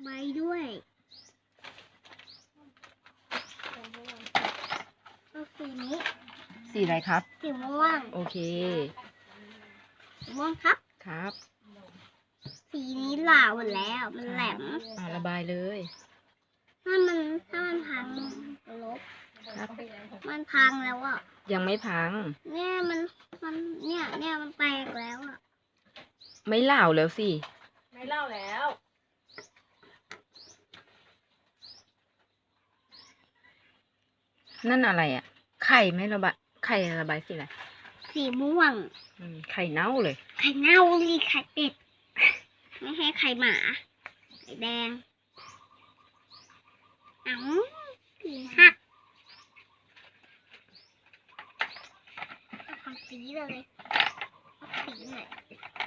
ใบด้วยเอาสีนี้สีอะไรครับสีม่วงโอเคสีม่วงครับครับสีนี้หลาหมดแล้วมันแหลมระบายเลยถ้ามันพังลบครับมันพังแล้วอ่ะยังไม่พังเนี่ยมันมันแตกแล้วอ่ะไม่เหล่าแล้วสิไม่เล่าแล้วนั่นอะไรอ่ะ ไข่ไม่ระบายไข่ระบายสีอะไรสีม่วงไข่เน่าเลยไข่เน่าลีไข่เป็ด ไม่ให้ไข่หมา ไข่แดงสีหักเอาสีเลยเอาสีหน่อย